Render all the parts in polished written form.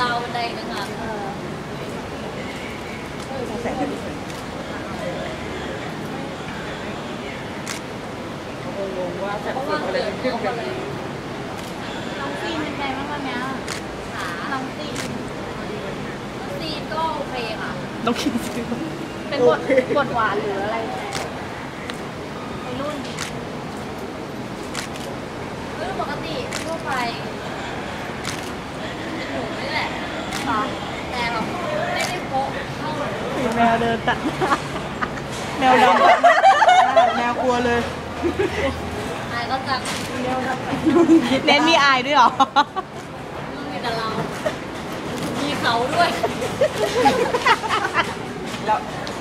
ราวบันไดนะคะแสงจะดีงงว่าแสงสดอะไรขึ้นกันน้องซีนเป็นไงบ้างวันนี้น้องซีนก็โอเคค่ะต้องคิดซื้อเป็นบทหวานหรืออะไรในรุ่นปกติทั่วไปหนูนี่แหละแต่แบบไม่ได้โป๊ะเข้าแมวเดินตัดแมวดำตัดแมวกลัวเลยอายก็จะเน้นมีอายด้วยหรอมีแต่เรามีเขาด้วยแล้ว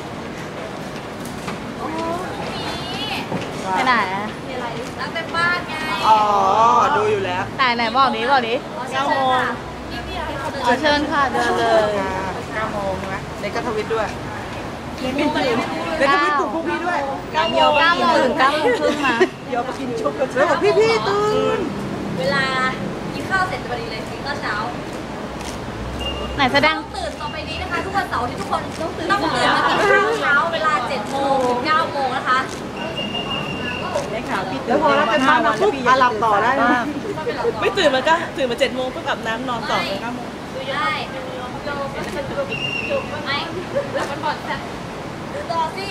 โอ้มีไปไหนมีอะไรตั้งแต่บ้านไงอ๋อดูอยู่แล้วไหนบอกนี้ 9 โมงเชิญค่ะเดินเลย 9 โมงนะในกระทวิตด้วยกี่โมงมาเลยในกระทวิตปลุกพวกพี่ด้วย 9 โมงถึง 9 โมงครึ่งมาเดี๋ยวมากินชุบกันแล้วบอกพี่ตื่นเวลากินข้าวเสร็จพอดีเลยกินข้าวเช้าไหนแสดงตื่นต่อไปนี้นะคะทุกวันเสาร์ที่ทุกคนต้องตื่นมากินข้าวเช้าเวลา7 โมงถึง 9 โมงนะคะแล้วพอรับเป็นบ้านเราปุ๊บหลับต่อได้ไม่ตื่นมาก็ตื่นมา7 โมงเพื่ออาบน้ำนอนต่อเลย9 โมงได้ไม่แล้วมันบอดค่ะต่อสิ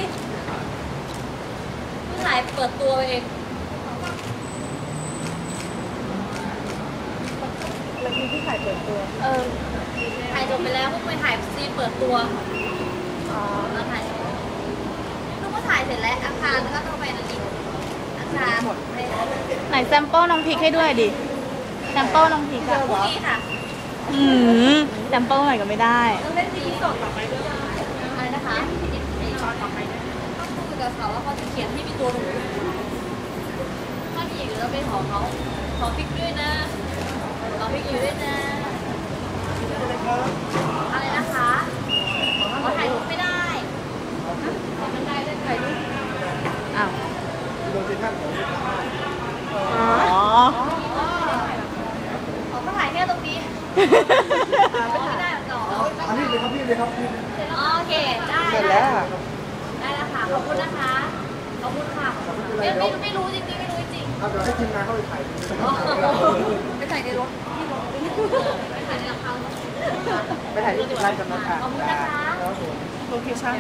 เพิ่งถ่ายเปิดตัวเองแล้วที่ถ่ายเปิดตัวถ่ายจบไปแล้วเพิ่งไปถ่ายซีนเปิดตัวแล้วถ่ายลูกก็ถ่ายเสร็จแล้วอาคารแล้วก็ต้องไปนั่นอีกอาคารหมดไหนแซมเปิลน้องพีคให้ด้วยดิแซมเปิลน้องพีคอะพรุ่งนี้ค่ะแซมเปิลหน่อยก็ไม่ได้ต้องเล่นซีสดต่อไปด้วยอะไรนะคะต่อไปต้องคุยกับเขาว่าเขาจะเขียนที่มีตัวหนูถ้ามีอย่างอื่นเราไปขอเขาขอพิกด้วยนะขอพิกอยู่ด้วยนะอะไรนะคะขอถ่ายรูปไม่ได้ขอมันได้ได้ถ่ายรูปอ้าวอ๋อขอก็ถ่ายแค่ตรงนี้ไม่ได้หรอพี่เลยครับพี่เลยครับพี่โอเคได้เสร็จแล้วได้แล้วค่ะขอบคุณนะคะขอบคุณค่ะไม่รู้จริงๆไม่รู้จริงเดี๋ยวให้ทีมงานเข้าไปถ่ายไปถ่ายในรถไปถ่ายในหลังคาไปถ่ายที่ร้านกำนันค่ะขอบคุณนะคะโลเคชั่น